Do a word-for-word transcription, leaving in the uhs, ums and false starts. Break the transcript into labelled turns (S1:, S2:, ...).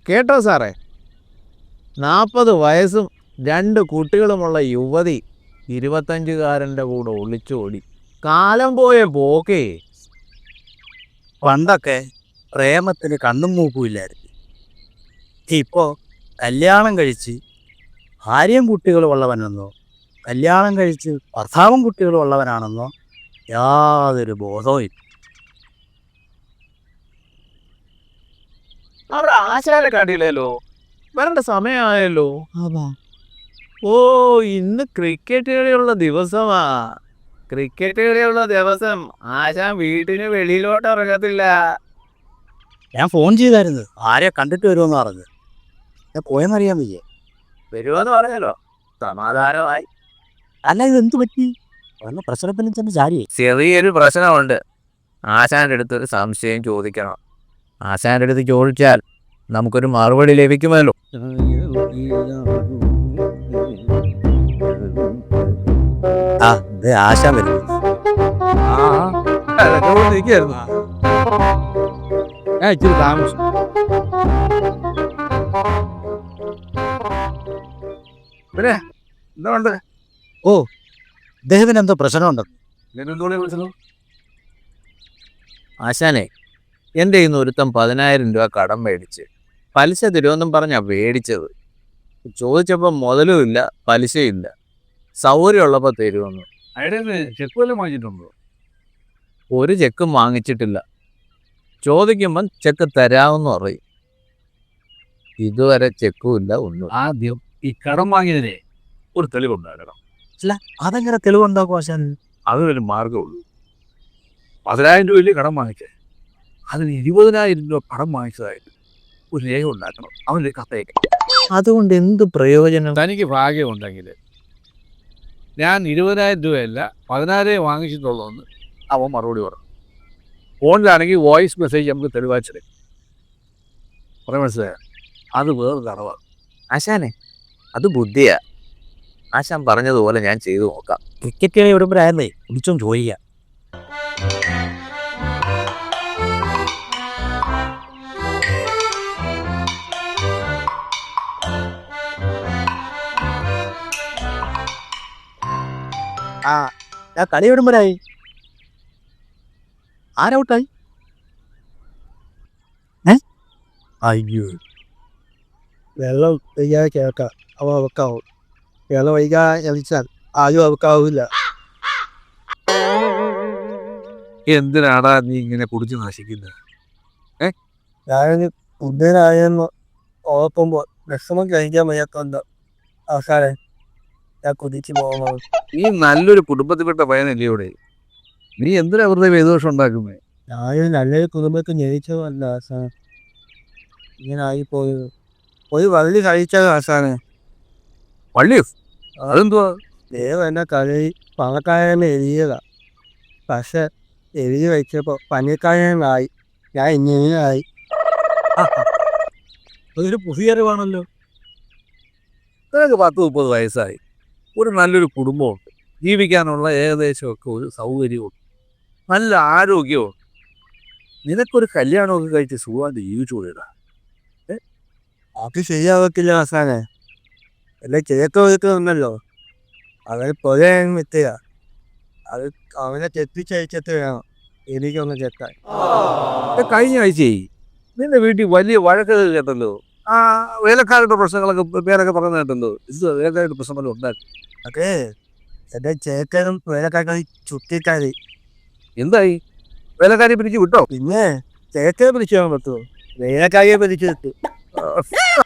S1: കേട്ടോ സാറേ, നാൽപ്പത് വയസ്സും രണ്ട് കുട്ടികളുമുള്ള യുവതി ഇരുപത്തഞ്ചുകാരൻ്റെ കൂടെ ഒളിച്ചോടി. കാലം പോയ പോക്കേ.
S2: പണ്ടൊക്കെ പ്രേമത്തിന് കണ്ണും മൂക്കുമില്ലായിരുന്നു. ഇപ്പോൾ കല്യാണം കഴിച്ച് ഭാര്യയും കുട്ടികളും ഉള്ളവനെന്നോ കല്യാണം കഴിച്ച് ഭർത്താവും കുട്ടികളും ഉള്ളവനാണെന്നോ യാതൊരു ബോധവും ഇല്ല.
S1: അവിടെ ആശാനെ കണ്ടില്ലല്ലോ, വരേണ്ട സമയമായല്ലോ. ഓ, ഇന്ന് ക്രിക്കറ്റ് കളിയുള്ള ദിവസമാ. ക്രിക്കറ്റ് കളിയുള്ള ദിവസം ആശാൻ വീട്ടിന് വെളിയിലോട്ട് ഇറങ്ങത്തില്ല.
S2: ഞാൻ ഫോൺ ചെയ്തായിരുന്നു, ആരെയോ കണ്ടിട്ട് വരുമെന്ന് പറഞ്ഞു. ഞാൻ പോയെന്നറിയാൻ വയ്യേ.
S1: വരുമെന്ന് പറഞ്ഞല്ലോ, സമാധാനമായി.
S2: അല്ല, ഇത് എന്ത് പറ്റി? വന്ന പ്രശ്നത്തിന് ചെന്ന് ചാരിയേ.
S1: ചെറിയൊരു പ്രശ്നമുണ്ട്. ആശാന്റെ അടുത്ത് ഒരു സംശയം ചോദിക്കണം. ആശാന്റെ അടുത്ത് ചോദിച്ചാൽ നമുക്കൊരു മറുപടി ലഭിക്കുമല്ലോ.
S2: ആ, ദേ ആശാൻ വരുന്നു.
S1: ഞാൻ ഇച്ചിരി താമസിച്ചു. പിന്നെ എന്തുകൊണ്ട്?
S2: ഓ, ഇദ്ദേഹത്തിന് എന്തോ പ്രശ്നമുണ്ടോ?
S1: ആശാനെ, എൻ്റെ ഇന്ന് ഒരുത്തം പതിനായിരം രൂപ കടം മേടിച്ച് പലിശ തരുമെന്നും പറഞ്ഞാ മേടിച്ചത്. ചോദിച്ചപ്പോൾ മുതലും ഇല്ല പലിശയില്ല. സൗകര്യമുള്ളപ്പോൾ തരുമെന്ന്.
S3: അയാളെ ചെക്ക് വല്ലതും വാങ്ങിച്ചിട്ടുണ്ടോ?
S1: ഒരു ചെക്കും വാങ്ങിച്ചിട്ടില്ല. ചോദിക്കുമ്പം ചെക്ക് തരാമെന്ന് പറയും. ഇതുവരെ ചെക്കും ഇല്ല, ഒന്നും.
S3: ആദ്യം ഈ കടം വാങ്ങിയതിനെ ഒരു തെളിവുണ്ടാകണം.
S2: അല്ല, അതെങ്ങനെ തെളിവുണ്ടാക്കും ആശാൻ?
S3: അതിനൊരു മാർഗമുള്ളൂ. പതിനായിരം രൂപയില് കടം വാങ്ങിച്ചേ, അതിന് ഇരുപതിനായിരം രൂപ കടം വാങ്ങിച്ചതായിട്ട് ഒരു രേഖ ഉണ്ടാക്കണം. അവൻ്റെ കത്തയക്കാം.
S1: അതുകൊണ്ട് എന്ത് പ്രയോജനം?
S3: തനിക്ക് ഭാഗ്യമുണ്ടെങ്കിൽ ഞാൻ ഇരുപതിനായിരം രൂപയല്ല പതിനായിരം വാങ്ങിച്ചിട്ടുള്ളൂ എന്ന് അവൻ മറുപടി പറഞ്ഞു. ഫോണിലാണെങ്കിൽ വോയിസ് മെസ്സേജ് നമുക്ക് തെളിവാച്ചെടുക്കും. പറയാൻ മനസ്സിലായ? അത് വേറൊരു തടവാണ്.
S1: ആശാനെ, അത് ബുദ്ധിയാ. ആശാൻ പറഞ്ഞതുപോലെ ഞാൻ ചെയ്തു നോക്കാം.
S2: ക്രിക്കറ്റ് കളി വിടുമ്പോഴായിരുന്നേ വിളിച്ചും ചോദിക്കാം. ആ, ഞാൻ കളി വിടുമ്പോഴായി. ആരൗട്ടായി? ഏ അയ്യോ,
S4: വെള്ളം വൈകാതെ കേൾക്കാം, അവ അവക്കാവും. വെള്ളം വൈകാതെ ചലിച്ചാൽ ആരും അവക്കാവില്ല.
S3: എന്തിനാടാ നീ ഇങ്ങനെ കുടിച്ച് നശിക്കുന്നത്?
S4: ഞാൻ ഉദ്ദേശനായെന്ന് ഓർക്കുമ്പോൾ വിഷമം കഴിക്കാൻ വയ്യാത്തോണ്ട് അവസാനം ഞാൻ കുതിച്ച് പോകുന്നത്.
S3: നീ നല്ലൊരു കുടുംബത്തിൽപ്പെട്ട പയ്യനല്ലേ ഇവിടെ? നീ എന്തിനാ വെറുതെ വേദോഷം ഉണ്ടാക്കുന്നത്?
S4: ഞാൻ നല്ലൊരു കുടുംബത്തിൽ ജനിച്ചതല്ല ആസാൻ, ഇങ്ങനെ ആയിപ്പോയത്. ഒരു വള്ളി കഴിച്ചത് ആസാനെ.
S3: വള്ളിയോ? അതെന്തുവാ?
S4: ദൈവം എന്നെ കളി പണക്കാരനെ എഴുതിയതാ. പക്ഷെ എഴുതി വെച്ചപ്പോൾ പനിക്കാരനായി. ഞാൻ ഇങ്ങനെയായി.
S3: അതൊരു പുതിയ അറിവാണല്ലോ. നിനക്ക് പത്ത് മുപ്പത് വയസ്സായി, ഒരു നല്ലൊരു കുടുംബമുണ്ട്, ജീവിക്കാനുള്ള ഏകദേശമൊക്കെ ഒരു സൗകര്യമുണ്ട്, നല്ല ആരോഗ്യമുണ്ട്. നിനക്കൊരു കല്യാണമൊക്കെ കഴിച്ച് സുഖമായിട്ട് ജീവിച്ചുകൂടാ?
S4: അത് ശരിയാവത്തില്ല ആസാനെ. എന്നെ ചേർത്ത് കൊടുക്കുന്നുണ്ടല്ലോ, അവന് പൊലയാൻ വിത്തുക. അത് അവനെ തെറ്റിച്ചയച്ചിട്ട് വേണം എനിക്കൊന്ന് ചെത്താൻ.
S3: കഴിഞ്ഞ ആഴ്ചയായി നിന്റെ വീട്ടിൽ വലിയ വഴക്കൊക്കെ കേട്ടല്ലോ. ആ വേലക്കാരുടെ പ്രശ്നങ്ങളൊക്കെ പേരൊക്കെ പറഞ്ഞു കേട്ടല്ലോ. ഇത് വേലക്കാരുടെ പ്രശ്നമല്ലോ ഉണ്ടാക്കി.
S4: അതെ, എന്റെ ചേക്കനും വേലക്കാരും ചുറ്റിക്കാരി.
S3: എന്തായി? വേലക്കാരി പിരിച്ച് വിട്ടോ?
S4: പിന്നെ ചേക്കനെ പിടിച്ചു പോകാൻ പറ്റുമോ? വേലക്കാരിയെ പിടിച്ചു കിട്ടും.